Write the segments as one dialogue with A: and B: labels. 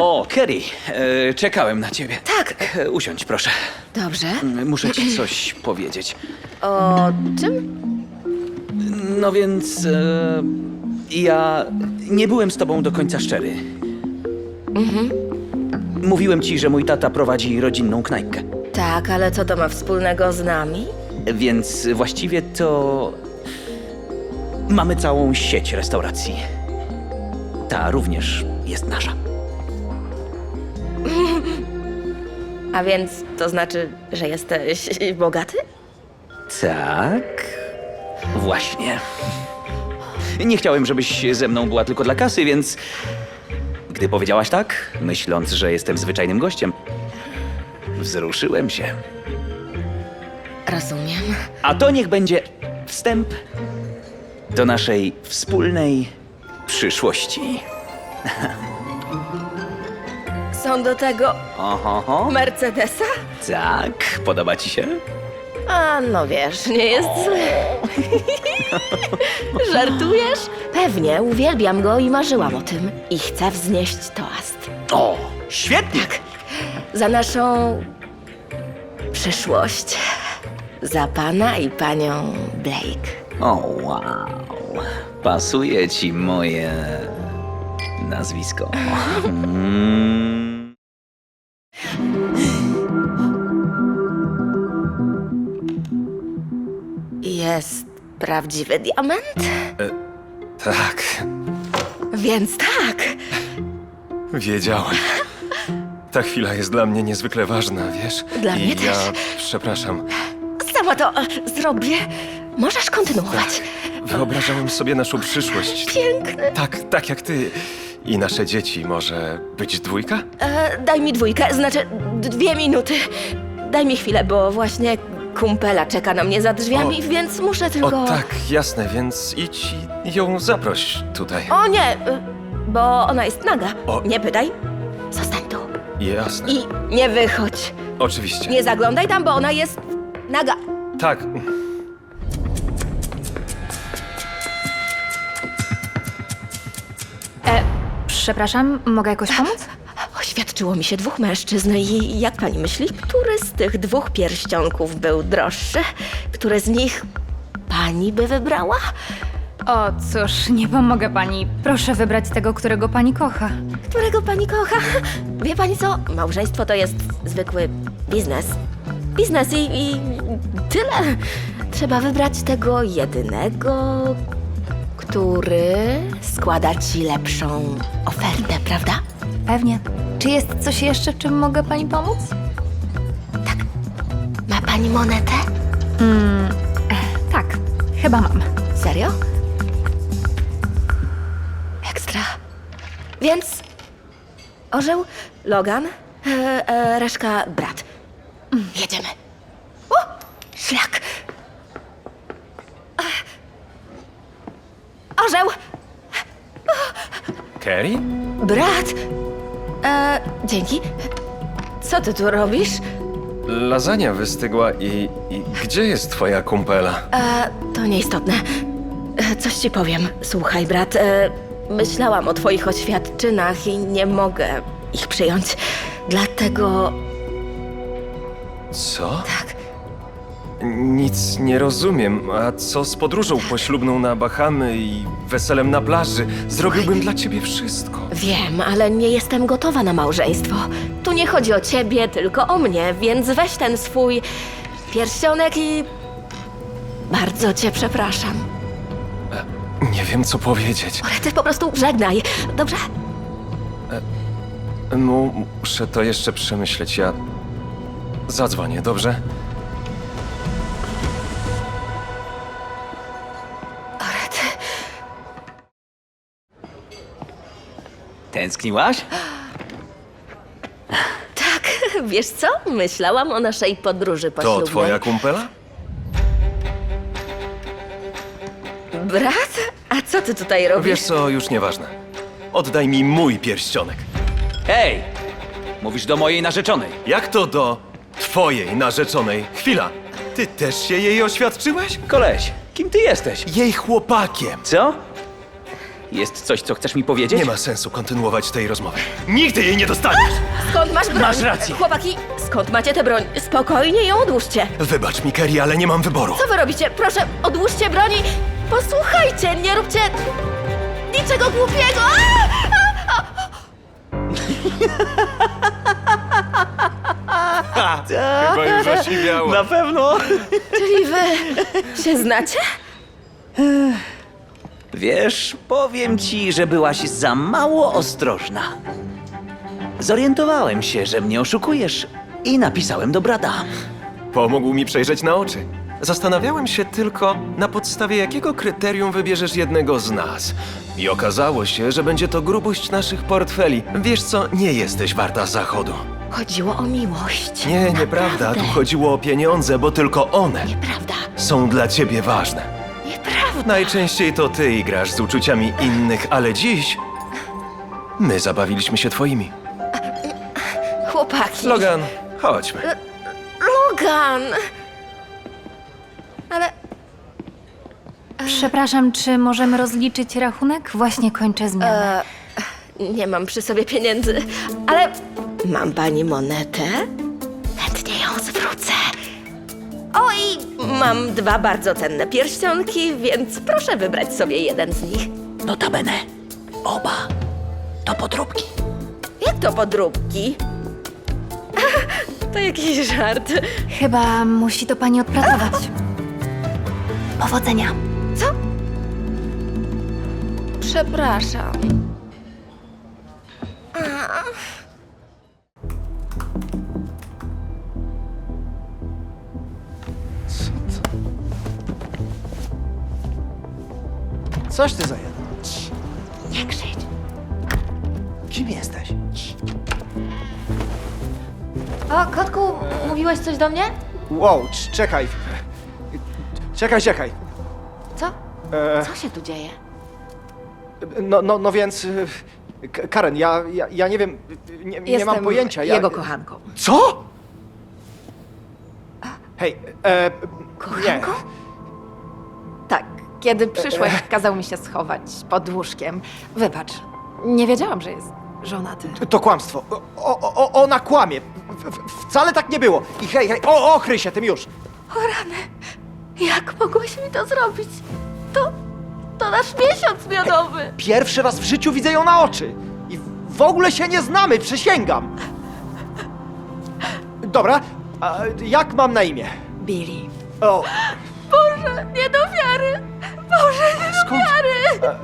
A: O, Kerry, czekałem na ciebie.
B: Tak.
A: Usiądź, proszę.
B: Dobrze.
A: Muszę ci coś powiedzieć.
B: O czym?
A: No więc, ja nie byłem z tobą do końca szczery. Mówiłem ci, że mój tata prowadzi rodzinną knajpkę.
B: Tak, ale co to ma wspólnego z nami?
A: Więc właściwie to mamy całą sieć restauracji. Ta również jest nasza.
B: A więc to znaczy, że jesteś bogaty?
A: Tak, właśnie. Nie chciałem, żebyś ze mną była tylko dla kasy, więc gdy powiedziałaś tak, myśląc, że jestem zwyczajnym gościem, wzruszyłem się.
B: Rozumiem.
A: A to niech będzie wstęp do naszej wspólnej przyszłości.
B: Są do tego
A: Oho,
B: Mercedesa?
A: tak, podoba ci się?
B: A no wiesz, nie jest zły. Żartujesz? Pewnie, uwielbiam go i marzyłam o tym. I chcę wznieść toast.
A: O, świetnie!
B: Tak, za naszą przyszłość. Za pana i panią Blake.
A: O, wow. Pasuje ci moje nazwisko.
B: Jest prawdziwy diament?
C: Tak,
B: Więc tak.
C: wiedziałem. Ta chwila jest dla mnie niezwykle ważna, wiesz?
B: Dla
C: I
B: mnie
C: ja
B: też.
C: przepraszam.
B: Sama to zrobię. Możesz kontynuować.
C: Wyobrażałem sobie naszą przyszłość.
B: Piękny.
C: Tak jak ty. I nasze dzieci. Może być dwójka?
B: Daj mi dwójkę, znaczy 2 minuty. Daj mi chwilę, bo właśnie kumpela czeka na mnie za drzwiami, więc muszę tylko...
C: O tak, jasne, więc idź i ją zaproś tutaj.
B: O nie, bo ona jest naga.
C: O.
B: Nie pytaj. Zostań tu.
C: Jasne.
B: I nie wychodź.
C: Oczywiście.
B: Nie zaglądaj tam, bo ona jest naga.
C: Tak.
D: Przepraszam, mogę jakoś pomóc?
B: Oświadczyło mi się 2 mężczyzn i jak pani myśli, który z tych 2 pierścionków był droższy? Które z nich pani by wybrała?
D: O, cóż, nie pomogę pani. Proszę wybrać tego, którego pani kocha.
B: Którego pani kocha? Wie pani co? Małżeństwo to jest zwykły biznes. Biznes i tyle. Trzeba wybrać tego jedynego, który składa ci lepszą ofertę, prawda?
D: Pewnie. Czy jest coś jeszcze, czym mogę pani pomóc?
B: Ma pani monetę?
D: Tak, chyba mam.
B: Serio? Ekstra. Więc orzeł, Logan, reszka brat. Jedziemy. O! Szlak! Orzeł!
C: Kerry?
B: Brat! Dzięki. Co ty tu robisz?
C: Lasagna wystygła i gdzie jest twoja kumpela?
B: To nieistotne. Coś ci powiem. Słuchaj, brat, myślałam o twoich oświadczynach i nie mogę ich przyjąć. Dlatego
C: Co?
B: tak.
C: Nic nie rozumiem. A co z podróżą poślubną na Bahamy i weselem na plaży? Zrobiłbym dla ciebie wszystko.
B: Wiem, ale nie jestem gotowa na małżeństwo. Tu nie chodzi o ciebie, tylko o mnie, więc weź ten swój pierścionek i... Bardzo cię przepraszam.
C: Nie wiem, co powiedzieć.
B: Ale ty po prostu żegnaj, dobrze?
C: Muszę to jeszcze przemyśleć. Ja zadzwonię, dobrze?
B: Orety.
A: Tęskniłaś?
B: Tak, wiesz co? Myślałam o naszej podróży
C: To
B: poślubnej.
C: twoja kumpela?
B: Brat? A co ty tutaj robisz?
C: Wiesz co, już nieważne. Oddaj mi mój pierścionek.
A: Hej! Mówisz do mojej narzeczonej.
C: Jak to do twojej narzeczonej? Chwila, ty też się jej oświadczyłeś?
A: Koleś, kim ty jesteś?
C: Jej chłopakiem.
A: Co? Jest coś, co chcesz mi powiedzieć?
C: Nie ma sensu kontynuować tej rozmowy. Nigdy jej nie dostaniesz!
B: Skąd masz broń?
A: Masz rację.
B: Chłopaki, skąd macie tę broń? Spokojnie ją odłóżcie.
C: Wybacz mi, Kerry, ale nie mam wyboru.
B: Co wy robicie? Proszę, odłóżcie broni. Posłuchajcie, nie róbcie niczego głupiego.
C: Chyba już osiwiało.
A: Na pewno.
B: Czyli wy się znacie?
A: Wiesz, powiem ci, że byłaś za mało ostrożna. Zorientowałem się, że mnie oszukujesz i napisałem do brata.
C: Pomógł mi przejrzeć na oczy. Zastanawiałem się tylko, na podstawie jakiego kryterium wybierzesz jednego z nas. I okazało się, że będzie to grubość naszych portfeli. Wiesz co, nie jesteś warta zachodu.
B: Chodziło o miłość.
C: Nie, nieprawda. Tu chodziło o pieniądze, bo tylko one
B: Nieprawda.
C: są dla ciebie ważne.
B: Nieprawda.
C: Najczęściej to ty igrasz z uczuciami innych, ale dziś my zabawiliśmy się twoimi.
B: Chłopaki.
C: Logan, chodźmy.
B: Logan! Ale
D: Przepraszam, czy możemy rozliczyć rachunek? Właśnie kończę zmianę.
B: nie mam przy sobie pieniędzy. Ale mam pani monetę? Chętnie ją zwrócę. O, i mam 2 bardzo cenne pierścionki, więc proszę wybrać sobie jeden z nich.
A: Notabene, oba to podróbki.
B: Jak to podróbki? To jakiś żart.
D: Chyba musi to pani odpracować. Powodzenia.
B: Co? Przepraszam.
E: Coś ty za jeden.
B: Nie krzycz.
E: Kim jesteś?
B: O, kotku, mówiłeś coś do mnie?
E: Wow, czekaj. Czekaj.
B: Co?
E: E,
B: Co się tu dzieje?
E: no więc... Karen, ja nie wiem, nie mam pojęcia.
F: jego kochanką.
E: Co? Hej,
B: Kochanką?
F: Tak, kiedy przyszłeś, kazał mi się schować pod łóżkiem. Wybacz, nie wiedziałam, że jest żonaty.
E: nie, to kłamstwo. Ona kłamie. Wcale tak nie było. I hej, ochryj się tym już.
B: O rany, jak mogłeś mi to zrobić? To nasz miesiąc miodowy.
E: Pierwszy raz w życiu widzę ją na oczy. I w ogóle się nie znamy, przysięgam. Dobra, a jak mam na imię?
F: Billy.
E: O,
B: Boże, nie do wiary. Boże, nie do
E: skąd?
B: wiary.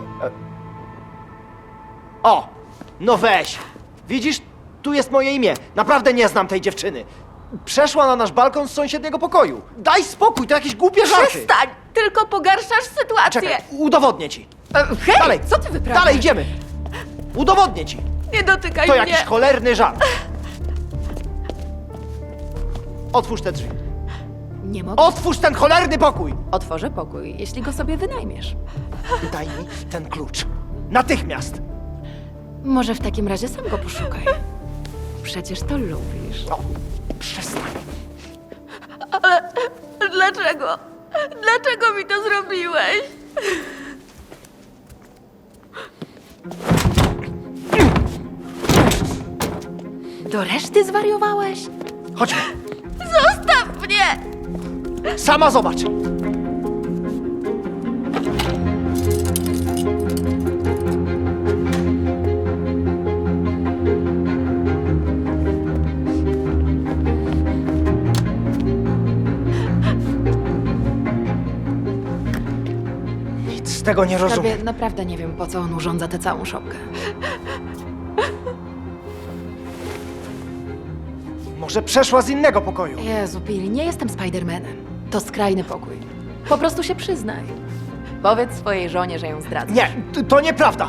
E: O, no weź. Widzisz, tu jest moje imię. Naprawdę nie znam tej dziewczyny. Przeszła na nasz balkon z sąsiedniego pokoju. Daj spokój, to jakieś głupie żarty.
B: Przestań, tylko pogarszasz sytuację.
E: Czekaj, udowodnię ci.
F: Hej,
E: Dalej,
F: co ty wyprawiasz?
E: Dalej idziemy. Udowodnię ci.
B: Nie dotykaj
E: To
B: mnie.
E: jakiś cholerny żart. Otwórz te drzwi.
F: Nie mogę.
E: Otwórz ten cholerny pokój.
F: Otworzę pokój, jeśli go sobie wynajmiesz.
E: Daj mi ten klucz. Natychmiast.
F: Może w takim razie sam go poszukaj. Przecież to lubisz.
E: O, przestań.
B: Dlaczego? Dlaczego mi to zrobiłeś?
F: Do reszty zwariowałeś?
E: Chodźmy.
B: Zostaw mnie!
E: Sama zobacz. Nic z tego nie rozumiem.
F: Skarbie, naprawdę nie wiem, po co on urządza tę całą szopkę.
E: Może przeszła z innego pokoju.
F: Jezu, Billy, nie jestem Spidermanem. To skrajny pokój. Po prostu się przyznaj. Powiedz swojej żonie, że ją zdradzasz.
E: Nie, to nieprawda.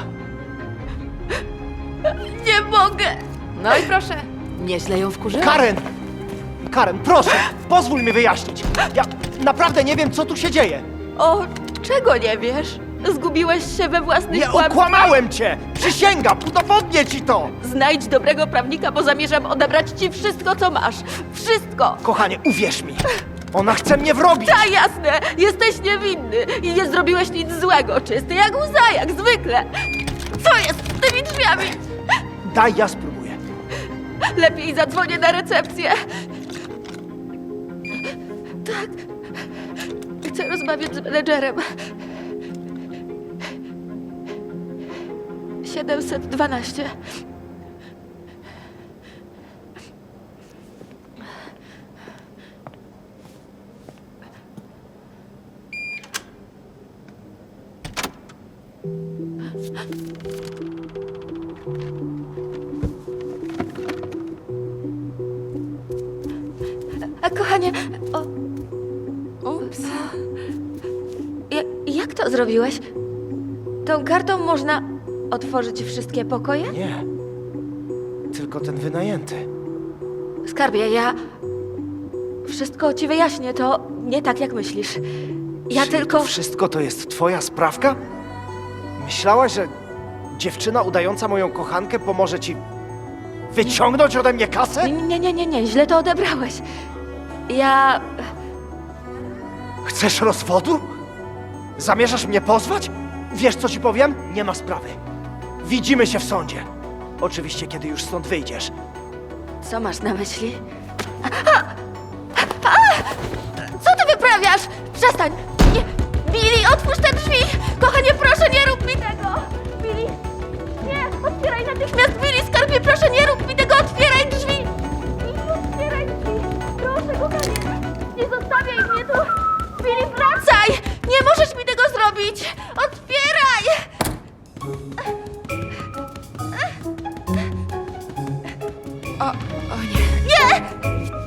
B: Nie mogę!
F: No i proszę, nieźle ją wkurzyłeś.
E: Karen, proszę, pozwól mi wyjaśnić. Ja naprawdę nie wiem, co tu się dzieje.
B: O, czego nie wiesz? Zgubiłeś się we własnych
E: Nie
B: kłamstwach?
E: okłamałem cię! Przysięgam, udowodnię ci to!
B: Znajdź dobrego prawnika, bo zamierzam odebrać ci wszystko, co masz. Wszystko!
E: Kochanie, uwierz mi. Ona chce mnie wrobić!
B: Tak, jasne! Jesteś niewinny i nie zrobiłeś nic złego. Czysty jak łza, jak zwykle. Co jest z tymi drzwiami?
E: Daj, ja spróbuję.
B: Lepiej zadzwonię na recepcję. Tak. Chcę rozmawiać z menedżerem. 712. Kochanie, ups. Jak to zrobiłeś? Tą kartą można otworzyć wszystkie pokoje?
E: Nie. Tylko ten wynajęty.
B: Skarbie, ja wszystko ci wyjaśnię, to nie tak jak myślisz. Ja
E: Czyli
B: tylko...
E: to wszystko to jest twoja sprawka? Myślałaś, że dziewczyna udająca moją kochankę pomoże ci wyciągnąć ode mnie kasę?
B: Nie, źle to odebrałeś. Ja...
E: Chcesz rozwodu? Zamierzasz mnie pozwać? Wiesz, co ci powiem? Nie ma sprawy. Widzimy się w sądzie. Oczywiście, kiedy już stąd wyjdziesz.
B: Co masz na myśli? Co ty wyprawiasz? Przestań! Nie! Billy, otwórz te drzwi! Kochanie, proszę, nie rób mi tego! Billy! Nie! Otwieraj natychmiast! Billy, skarbie, proszę, nie rób mi tego! Otwieraj drzwi! Billy, otwieraj drzwi! Proszę, kochanie! Nie zostawiaj mnie tu! Billy, wracaj! Nie możesz mi tego zrobić! Otwieraj!
F: O nie.
B: Nie!